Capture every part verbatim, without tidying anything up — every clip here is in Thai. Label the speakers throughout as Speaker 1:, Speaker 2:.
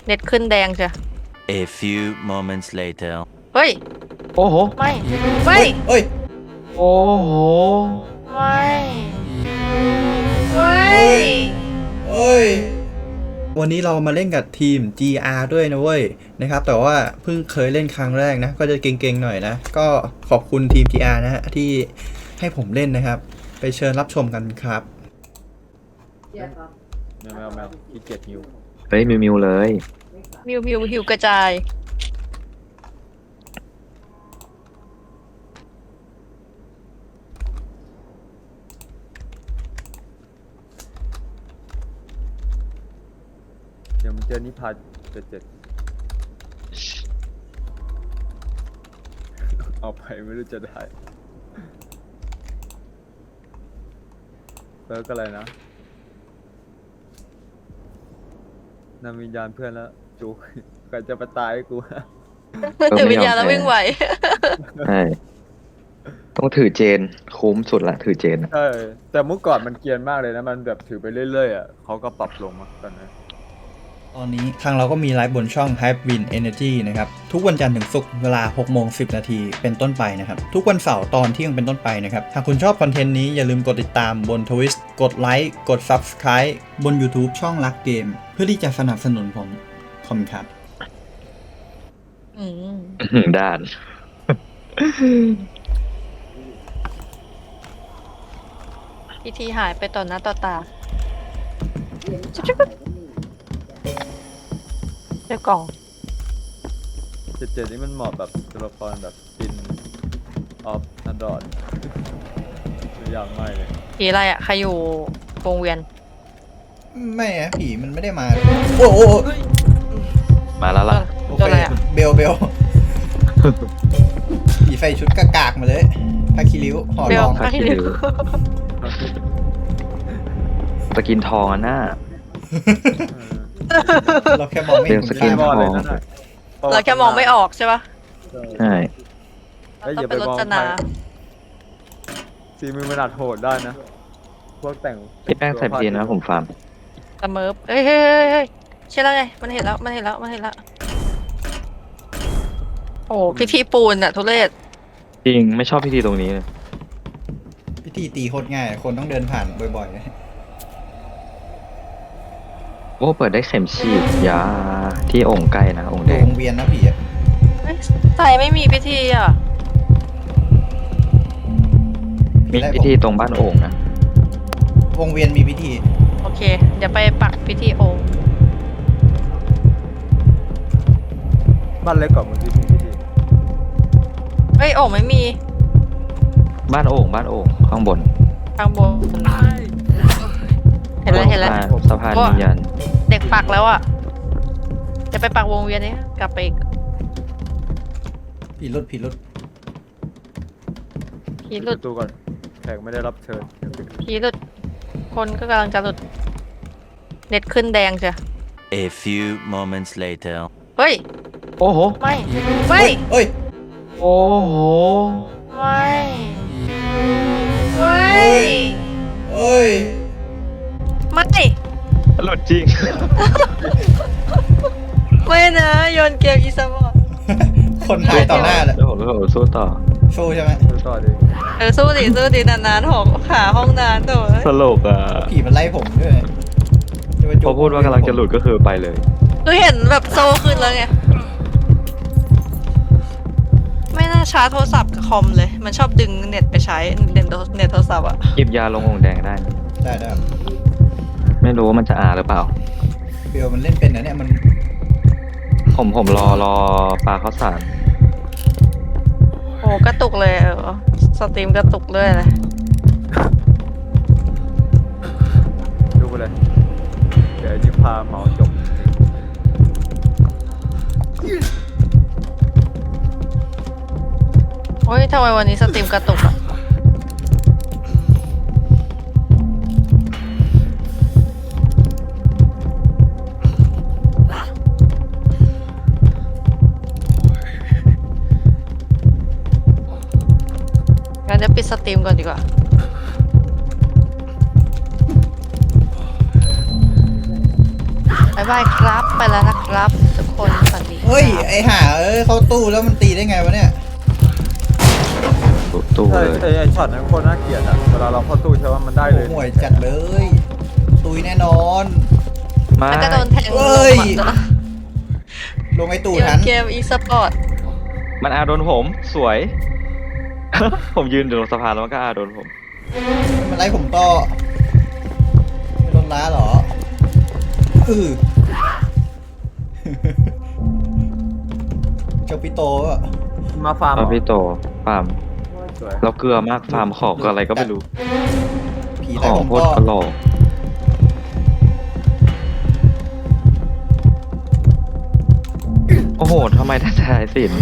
Speaker 1: เน็ตขึ้นแดงจ้ะ
Speaker 2: A few moments later
Speaker 1: เฮ้ย
Speaker 3: โอ้โห
Speaker 1: ไม่ไม่
Speaker 4: เอ้ย
Speaker 3: โอ้โห
Speaker 1: ไม่ไม่
Speaker 4: เอ้ย วันนี้เรามาเล่นกับทีม จี อาร์ ด้วยนะเว้ยนะครับแต่ว่าเพิ่งเคยเล่นครั้งแรกนะก็จะเก่งๆหน่อยนะก็ขอบคุณทีม จี อาร์ นะฮะที่ให้ผมเล่นนะครับไปเชิญรับชมกันครับ
Speaker 3: แมวแมวแมวขี้เกียจหิว
Speaker 5: เฮ้ยมิวมิวเลย
Speaker 1: มิวมิวหิวกระจาย
Speaker 3: เดี๋ยวมันเจอนิพาเจ็ดเจ็ดเอาไปไม่รู้จะได้เปิร์กอะไรนะนำวิญญาณเพื่อนแล้วจูก่อนจะมาตายให้กู
Speaker 1: ถือวิญญาณแล้ววิ่งไหว
Speaker 5: ใช่ต้องถือเจนคุ้มสุดละถือเจนอะ
Speaker 3: ใช่แต่เมื่อก่อนมันเกรียนมากเลยนะมันแบบถือไปเรื่อยๆอ่ะเขาก็ปรับลงมาตอนนี้
Speaker 4: ตอนนี้ทางเราก็มีไลฟ์บนช่อง Hype Win Energy นะครับทุกวันจันทร์ถึงศุกร์เวลาหกโมงสิบนาทีเป็นต้นไปนะครับทุกวันเสาร์ตอนเที่ยงเป็นต้นไปนะครับหากคุณชอบคอนเทนต์นี้อย่าลืมกดติดตามบน Twitch กดไลค์กด Subscribe บน YouTube ช่องรักเกมเพื่อที่จะสนับสนุนผมขอบคุณครับ
Speaker 1: อืม
Speaker 5: อื้อหือด้าน
Speaker 1: พิธีหายไปต่อหน้าต่อตาเจ้ากล่อง
Speaker 3: เจ็ดเจ็ดนี่มันเหมาะแบบตัวละครแบบกินออฟนัดดอนอย่างไม่เลย
Speaker 1: ผีอะไรอ่ะ ใครอยู่วงเวียน
Speaker 4: ไม่อะผีมันไม่ได้มาโอ้โห
Speaker 5: มาแล้วล่ะ
Speaker 4: โอ
Speaker 1: ตัว
Speaker 4: เค
Speaker 1: อะไรอ่ะ
Speaker 4: เบลเบล ผีใส่ชุดกากๆมาเลยพาคิริ้วห่อ
Speaker 1: เบ
Speaker 4: ร
Speaker 1: ล
Speaker 4: อง
Speaker 1: พาคิริ้ว
Speaker 5: สกินทองอันน่ะ
Speaker 4: เราแค่มองไม่เห็น
Speaker 5: เบลส
Speaker 4: คุณ
Speaker 5: กิ
Speaker 4: ค่าน
Speaker 3: บอลเลยนั่นน่ะ
Speaker 1: เราแค่มองไม่ออกใช่ปะ
Speaker 5: ใช่
Speaker 1: เราต้องเป็นรจนา
Speaker 3: สีมือมันอาจโหดได้นะพวกแต่ง
Speaker 5: พี่แป้งใส่พีนะผมฟาร์ม
Speaker 1: ตะเมิบเฮ้ยเฮ้ยเฮ้ยเฮ้ยใช่แล้วไงมันเห็นแล้วมันเห็นแล้วมันเห็นแล้วโอ้พิธีปูนอะทุเรศ
Speaker 5: จริงไม่ชอบพิธีตรงนี้เลย
Speaker 4: พิธีตีโคตรง่าย คนต้องเดินผ่านบ่อยๆนะ
Speaker 5: โอ้เปิดได้เข็มฉีดยาที่องค์ใกล้นะองค์
Speaker 4: ดู
Speaker 5: แดง
Speaker 4: วงเวียนนะผีอะ
Speaker 1: เฮ้ยใส่ไม่มีพิธีอ่ะ
Speaker 5: มีพิธีตรงบ้านโอ่งนะ
Speaker 4: วงเวียนมีพิธี
Speaker 1: โอเค เดี๋ยวไปปักพิธีโองค์
Speaker 3: บ้านเล็กกว่าเมื่อกี้พี่พี่
Speaker 1: เฮ้ยโองค์ไม่มี
Speaker 5: บ้านโอ่งบ้านโอ่งข้างบน
Speaker 1: ทางบนเห็นแล้วเห็นแล้ว
Speaker 5: สะพานวิญญาณ
Speaker 1: เด็กปักแล้วอ่ะ จะไปปักวงเวียนนี้กลับไปอีก
Speaker 4: ผีรุดผีรุด
Speaker 1: ผีหลุด
Speaker 3: ประตูก่อนแขกไม่ได้รับเชิญเดี๋ยวปิด
Speaker 1: ผีหลุด คนก็กำลังจะหลุด เน็ตขึ้นแดงจ้ะ
Speaker 2: A few moments later
Speaker 1: เฮ้ย
Speaker 3: โอ้โห
Speaker 1: ไม่ไม่
Speaker 4: เอ้ย
Speaker 3: โอ้โห
Speaker 1: ไม่ไม่
Speaker 4: เอ้ย
Speaker 1: ไม่
Speaker 5: หลุดจริง
Speaker 1: ไม่นะโยนเกมอีสปอร์ต
Speaker 4: คนหายต่อหน้าเลย
Speaker 5: แล้วผมก็สู้ต่อ
Speaker 4: สู้ใช่ไหม
Speaker 3: ดูต่อดิ
Speaker 1: เออสู้ดิสู้ดินานๆหกขาห้องนานโถ่
Speaker 5: สลกอ่ะ
Speaker 4: ผีมันไล่ผมด้วยจะม
Speaker 5: พอพูดว่ากำลังจะหลุดก็คือไปเลย
Speaker 1: คือเห็นแบบโซขึ้นแล้วไง ไม่น่าชาร์จโทรศัพท์กับคอมเลย มันชอบดึงเน็ตไปใช้เน็ตโทรเน็ตโทรศัพท์อะ
Speaker 5: หยิบยาลงองค์แดงได้นะ
Speaker 4: ได้ได้
Speaker 5: ไม่รู้ว่ามันจะอาหรือเปล่า
Speaker 4: เบลมันเล่นเป็นนะเนี่ยมัน
Speaker 5: ผมผมรอรอปลาข้าวสาร
Speaker 1: โอ้กระตุกเลยเออสตรีมกระตุกเลยเลย
Speaker 3: ดูไปเลยเดี๋ยวนิพาเหมาจบ
Speaker 1: โอ้ยทำไมวันนี้สตรีมกระตุกอะงั้นเดี๋ยวปิดสตรีมก่อนดีกว่า บ๊ายบายครับไปแล้วนะครับทุกคนสวัสดีครับ
Speaker 4: เฮ้ย ไอห่าเอ้ยเข้าตู้แล้วมันตีได้ไงวะเนี่ย
Speaker 5: ตู้ตู้
Speaker 3: ไอ้
Speaker 5: เลย
Speaker 3: ไอ้ไอ้ช็อตนั้นโคตรน่าเกลียดอะเวลาเราเข้าตู้ใช่ว่ามันได้เลย
Speaker 4: ห่วยจัดเลย ตุยแน่นอน
Speaker 5: มา
Speaker 1: แล้วก็โดนแทง
Speaker 4: เอ้ย
Speaker 1: ลงหมัดแล้ว
Speaker 4: ลงไอตู้
Speaker 1: เกม
Speaker 4: ทัน
Speaker 1: เกมอีสปอร์ต
Speaker 5: มันอาโดนผมสวย ผมยืนอยู่ตรงสะพานแล้วมันก็อาโดนผม
Speaker 4: มันไล่ผมต่อไม่โดนล้าเหรออือ เจ้าปิโตอะ
Speaker 3: มาฟาร์มเหร
Speaker 5: เอา
Speaker 3: อ
Speaker 5: พี่โตฟาร์ม
Speaker 3: สวย
Speaker 5: เราเกลือมากฟาร์มของก็อะไรก็ไม่รู้
Speaker 4: ผี
Speaker 5: ข
Speaker 4: ไล่
Speaker 5: อง
Speaker 4: ผม
Speaker 5: โคต
Speaker 4: ต่
Speaker 5: ร
Speaker 4: อ
Speaker 5: กระโหลกโอ้โหทำไมท่านชายสิน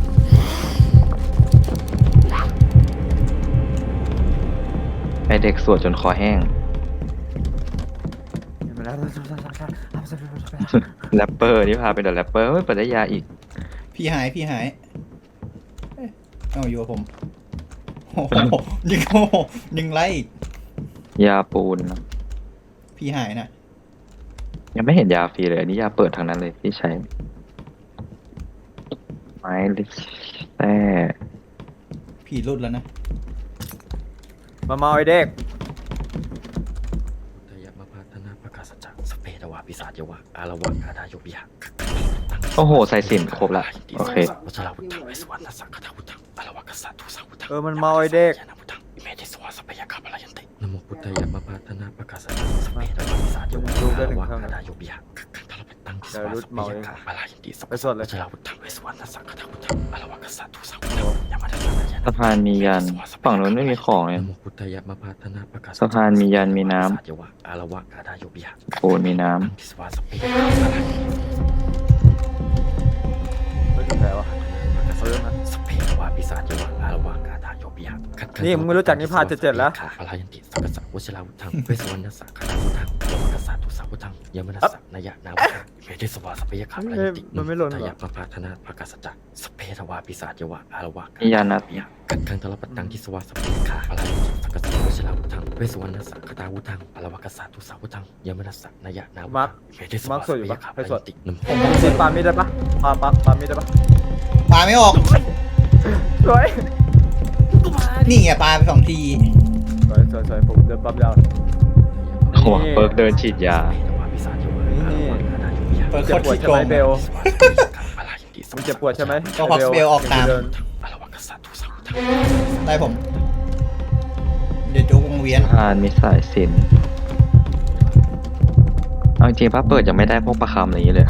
Speaker 5: ไอเด็กสวดจนคอแห้ง
Speaker 3: เห็นไหมล่ะ
Speaker 5: แรปเปอร์นี่พาเป็นเดอะแรปเปอร์ไม่เปิดได้ยาอีก
Speaker 4: พี่หายพี่หายเอ้ยเอาอยู่กับผมโอ้โหยิงโอ้โหยิงไล่อีก
Speaker 5: ยาปูนนะ
Speaker 4: พี่หายนะ
Speaker 5: ยังไม่เห็นยาฟรีเลยอันนี้ยาเปิดทางนั้นเลยที่ใช้ ไม้ลิสแต่
Speaker 4: ผีรุดแล้วนะ
Speaker 3: มาเมาไอ้เด็ก
Speaker 6: ทยมาพัฒนาประกาศจักรสเปดวาปิศาจยวะอารวะอาดายบิยะ
Speaker 5: โอ้โหใส่สินครบละโอเค
Speaker 6: วัชราวุฒเวสวรรณสังฆทาวุฒอารวะกษัตริย์ทุสังวุฒ
Speaker 3: เออมันเมาไอ้เด็ก
Speaker 6: ยานาวุฒอิเมติสวาสเปยกาปลายันตินโมพุทธายมาพัฒนาประกาศจักรสเปดวาปิศาจยวะอารวะอาดายบิยะทารพัตังทิสวาสเปยกาปลายันติสัพพะวัชราวุฒเวสวรรณสังฆทาวุฒอารวะกษัตริย์ทุสังวุฒยามาทัสสะยานา
Speaker 5: สะพานมียัน ฝั่งนู้นไม่มีของเลย
Speaker 6: นโมพุทธายมาพัฒนาประกาศ
Speaker 5: สะพานมียันมีน้
Speaker 6: ยวะอารวะอาดายบิยะ
Speaker 5: ำปูนมีน้
Speaker 6: ตังทิสวาสเปยกาปลายันติ
Speaker 3: ไม่ถึงแพ้วะเอาเรื่องนะ
Speaker 6: สเปรวาปิศาจวะอารวากาธาโยบิยะ
Speaker 3: นี่มึงไม่รู้จักนิพพานเจ็ดๆแล้ว
Speaker 6: พลายันติสักกะสะวชิราวุธังเวสวรรณสักขะวุธังอารวากษัตริย์ทุสัพพุธังยมนัสสะนายะนาวุธังเมธิสวาสเปยคะพลายันติ
Speaker 3: มันไม่หล่นเหรอ
Speaker 6: ทยะปะพาธนาภากาสัจจะสเปรวาปิศาจวะอารวากา
Speaker 5: ำมียันนะ
Speaker 6: บิยะกัดขังทรปัตตังทิสวาสเปยคะพลายันติสักกะสะวชิราวุธังเวสวรรณสักขะวุธังอารวากษัตริย์ทุสัพพุธังยมนัสสะนายะนาวุ
Speaker 3: มา
Speaker 6: ธั
Speaker 3: ร์
Speaker 6: ง
Speaker 3: ค
Speaker 6: เมธิสวาสเปยคะพลายันตินโม
Speaker 3: ผมผมปามีดได้ปะปาปาปามีดได้ปะ
Speaker 4: ปลาไม่ออก
Speaker 3: สวย
Speaker 4: นี่ไงปลาไปสองที
Speaker 3: สวยสวยสวยผมเดินปั๊มยาว
Speaker 5: โอ้โหเปิร์กเดินฉีดยา
Speaker 4: เปิด
Speaker 3: เจ็บ
Speaker 4: โคตร
Speaker 3: ปวด
Speaker 4: ขี้
Speaker 3: ใช่
Speaker 4: โก
Speaker 3: ไหม
Speaker 4: ง
Speaker 3: เบลมึงเจ็บปวดใช่ไหม
Speaker 4: ก็ฮอกสเบลออกตาม
Speaker 3: เดิน
Speaker 4: ไล่ผม เดี๋ยวจุกวงเวียน
Speaker 5: สะพานมีสายสินเอาจริงๆป้าเปิดยังไม่ได้พวกประคำอะไรอย่างนี้เลย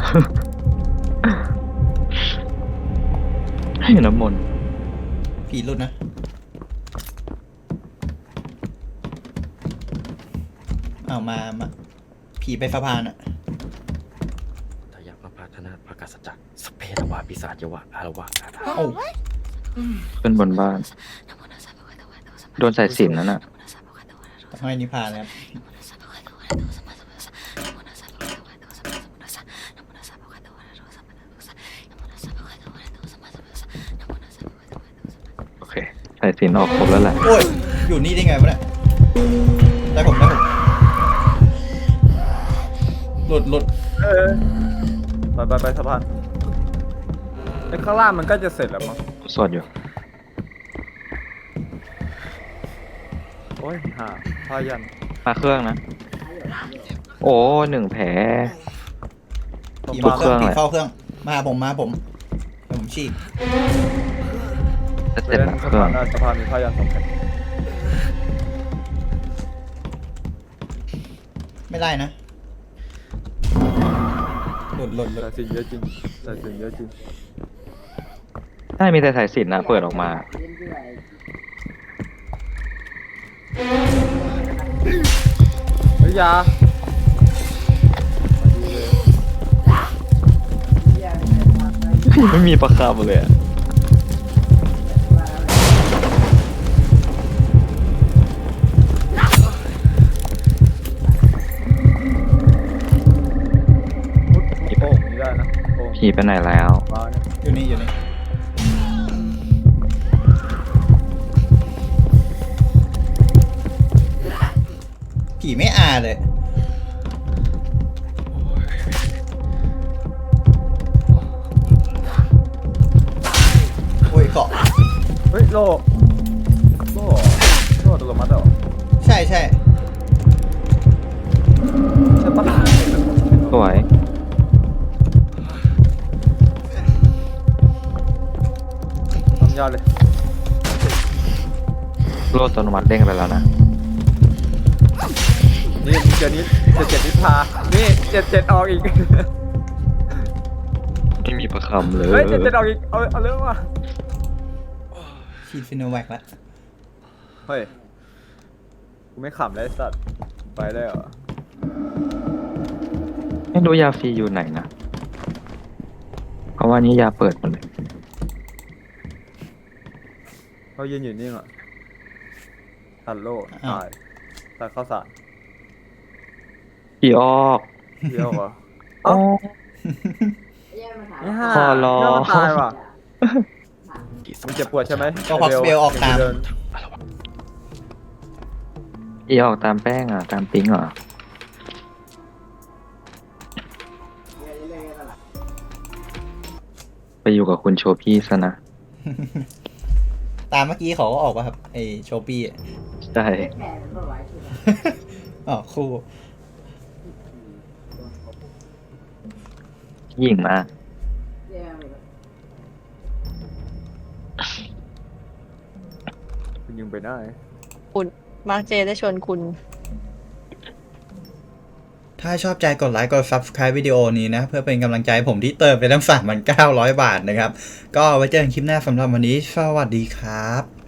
Speaker 5: ให้น้ำมนต์
Speaker 4: ผีรุดนะ เอามามา ผีไปสะพานอะ
Speaker 6: ทยะมาพาธนาภากาสัจจะสเปรวาปิศาจวะอารวะอาดา
Speaker 4: โอ้า
Speaker 5: ขึ้นบนบ้าน โดนสายสินนั่นน่ะ
Speaker 4: ต้องให้นิพพานเลยครับ
Speaker 5: โอเคสายสินออกครบแล้วแหละ
Speaker 4: โอ้ย อยู่นี่ได้ไงวะเนี่ย ได้ผมได้ผม หลุดหลุด
Speaker 3: เออไปไปไปสะพานไอ้ข้างล่างมันก็จะเสร็จแล้วมั้ง
Speaker 5: สวดอยู่
Speaker 3: โอ้ยหาพายัน
Speaker 5: มาเครื่องนะ โอ้หนึ่งแผล
Speaker 4: ผี
Speaker 5: บ
Speaker 4: มาน เครื่อง
Speaker 5: เครื่อง
Speaker 4: ผี
Speaker 5: เลย
Speaker 4: เฝ้าเครื่อง มาหาผมมาหาผมเดี๋ยวผมฉีก
Speaker 5: จะ
Speaker 3: ไป
Speaker 5: เจ็บ
Speaker 3: เล่น
Speaker 5: หลัง
Speaker 3: สะ
Speaker 5: เครื่อ
Speaker 3: พาง นได้สะพานมีพายันสองแผ่น
Speaker 4: ไม่ได้นะ หลุดหลุดหลุ
Speaker 3: แต่
Speaker 4: ด
Speaker 3: สิ่งเยอะจริงแต่สิ่งเยอะจริง
Speaker 5: ใช่มีแต่สายสินนะเปิดออกมา
Speaker 3: เฮ้ยยา
Speaker 5: ไม่มีประคำเลยอะ
Speaker 3: มุดโป่งนี่ได้นะโป่ง
Speaker 5: ผีไปไหนแล้ว
Speaker 3: มาเนี่ย
Speaker 4: อยู่นี่อยู่นี่ ผีไม่อาเลยเกาะ
Speaker 3: เฮ้ยโลโลโลอัตโนมัติเหรอ
Speaker 4: ใช่ใช่
Speaker 3: ใช่ปะ
Speaker 5: สวย
Speaker 3: ทำยอดเลย
Speaker 5: โลดอัตโนมัติเด้งไปแล้วนะ
Speaker 3: นี่เจอนี้เจ็ดเจ็ดนิพานี่เจ็ดเจ็ดออกอีก
Speaker 5: ไม่มีประคำเลย
Speaker 3: เฮ้ยเจ็ดเจ็ดออกอีกเอาเอาเรื่องมา
Speaker 4: ฉีดฟิโนแวคแล้ว
Speaker 3: เฮ้ยกูไม่ขำเลยไอ้สัตว์ไปได้เหรอ
Speaker 5: ไม่รู้ยาฟรีอยู่ไหนนะ เพราะว่านี้ยาเปิดหมดเลย
Speaker 3: เขายืนอยู่นี่เหรอตัดโลตายตัดข้าวสาร
Speaker 5: อีออก
Speaker 3: เดียวเหรอ
Speaker 5: อ๋อ
Speaker 3: นี่ห่า
Speaker 5: ขอร้อง
Speaker 3: เรื่องมันตายว่ะมึงเจ็บปวดใช่ไหม
Speaker 4: ก็ฮอกสเปลออกตาม
Speaker 3: เดิน
Speaker 5: อีออกตามแป้งอ่ะ ตามปิ๊งเหรอ ไปอยู่กับคุณโชพี่ซะนะ
Speaker 4: ตามเมื่อกี้เขาก็ออกป่ะครับไอโชปี้อะ
Speaker 5: ใช่
Speaker 4: อ๋อคู่
Speaker 5: ยิ่งมาก
Speaker 3: คุณยิงไปได้
Speaker 1: คุณมาร์คเจได้ชวนคุณ
Speaker 4: ถ้าชอบใจกดไลค์กด Subscribe วิดีโอนี้นะ เพื่อเป็นกำลังใจให้ผมที่เติมไปตั้ง สามพันเก้าร้อย บาทนะครับ ก็ไว้เจอกันคลิปหน้าสำหรับวันนี้ สวัสดีครับ